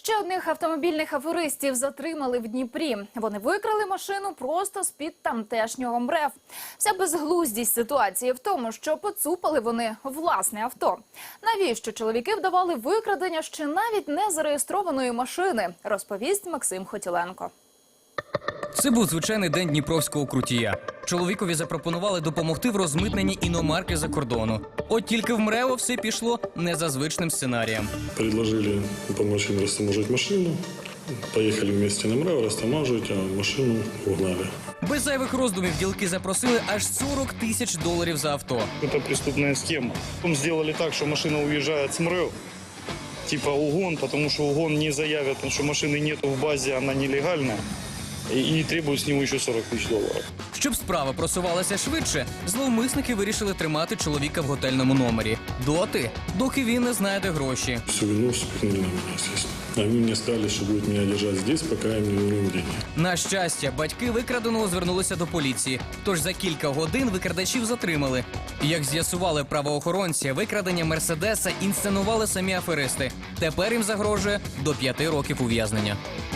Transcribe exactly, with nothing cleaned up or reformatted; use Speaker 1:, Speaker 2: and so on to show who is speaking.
Speaker 1: Ще одних автомобільних аферистів затримали в Дніпрі. Вони викрали машину просто з-під тамтешнього МРЕВ. Вся безглуздість ситуації в тому, що поцупали вони власне авто. Навіщо чоловіки вдавали викрадення ще навіть не зареєстрованої машини, розповість Максим Хотіленко.
Speaker 2: Це був звичайний день дніпровського крутія. Чоловікові запропонували допомогти в розмитненні іномарки за кордону. От тільки в МРЕО все пішло не за звичним сценарієм.
Speaker 3: Предложили допомогти їм розтаможити машину. Поїхали вместе на МРЕО, розтаможити, а машину угнали.
Speaker 2: Без зайвих роздумів ділки запросили аж сорок тисяч доларів за авто.
Speaker 4: Це преступна схема. Потім зробили так, що машина уїжджає з МРЕО, типа угон, тому що угон не заявлять, тому що машини нету в базі, вона нелегальна. І требують з нього ще сорок тисяч доларів.
Speaker 2: Щоб справа просувалася швидше, зловмисники вирішили тримати чоловіка в готельному номері. Доти, доки він не знайде гроші.
Speaker 3: Всю вину спихнули на мене, звісно. Вони мені сказали, що будуть мене держати тут, поки я не верну деньги.
Speaker 2: На щастя, батьки викраденого звернулися до поліції. Тож за кілька годин викрадачів затримали. Як з'ясували правоохоронці, викрадення Мерседеса інсценували самі аферисти. Тепер їм загрожує до п'яти років ув'язнення.